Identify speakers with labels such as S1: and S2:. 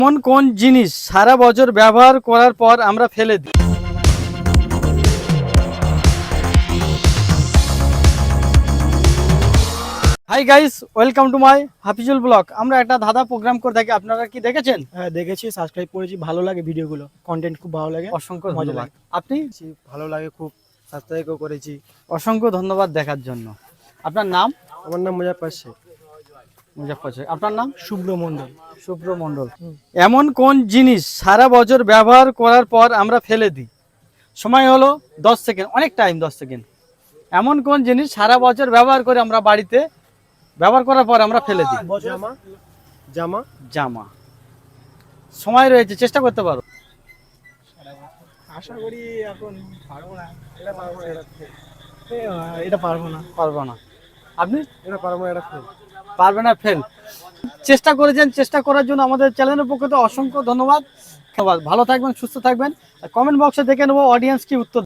S1: এমন কোন জিনিস সারা বছর ব্যবহার করার পর আমরা ফেলে দিই? Hi guys, welcome to my Hafizul blog. আমরা একটা ধাঁধা প্রোগ্রাম করে থাকি, আপনারা কি দেখেছেন?
S2: হ্যাঁ দেখেছি, সাবস্ক্রাইব করেছি, ভালো লাগে ভিডিওগুলো, কন্টেন্ট খুব ভালো লাগে।
S1: অসংখ্য
S2: মজা
S1: ধন্যবাদ।
S2: লাগে।
S1: আপনি?
S2: ভালো লাগে খুব, সাবস্ক্রাইবও করেছি।
S1: অসংখ্য ধন্যবাদ দেখার জন্য। আপনার নাম?
S2: আমার নাম মুজাফফর শেখ।
S1: মুজাফফর শেখ। আপনার নাম?
S2: শুভ্র মণ্ডল।
S1: শুভ্র মণ্ডল। এমন কোন জিনিস সারা বছর ব্যবহার করার পর আমরা ফেলে দিই? সময় হলো 10 সেকেন্ড, অনেক টাইম 10 সেকেন্ড। এমন কোন জিনিস সারা বছর ব্যবহার করে আমরা বাড়িতে ব্যবহার করার পর আমরা ফেলে দিই?
S2: জামা। জামা।
S1: জামা। সময় রয়েছে, চেষ্টা করতে পারো।
S2: আশা করি এখন পারবো না, এটা পারবো না, এটা পারবো না,
S1: পারবো না। আপনি?
S2: এটা পারবো না, এটা ফেল।
S1: পারবে না, ফেল। চেষ্টা করেছেন, চেষ্টা করার জন্য আমাদের চ্যানেলের পক্ষ থেকে অসংখ্য ধন্যবাদ। ভালো থাকবেন, সুস্থ থাকবেন। কমেন্ট বক্সে দেখে নেবো অডিয়েন্স কি উত্তর।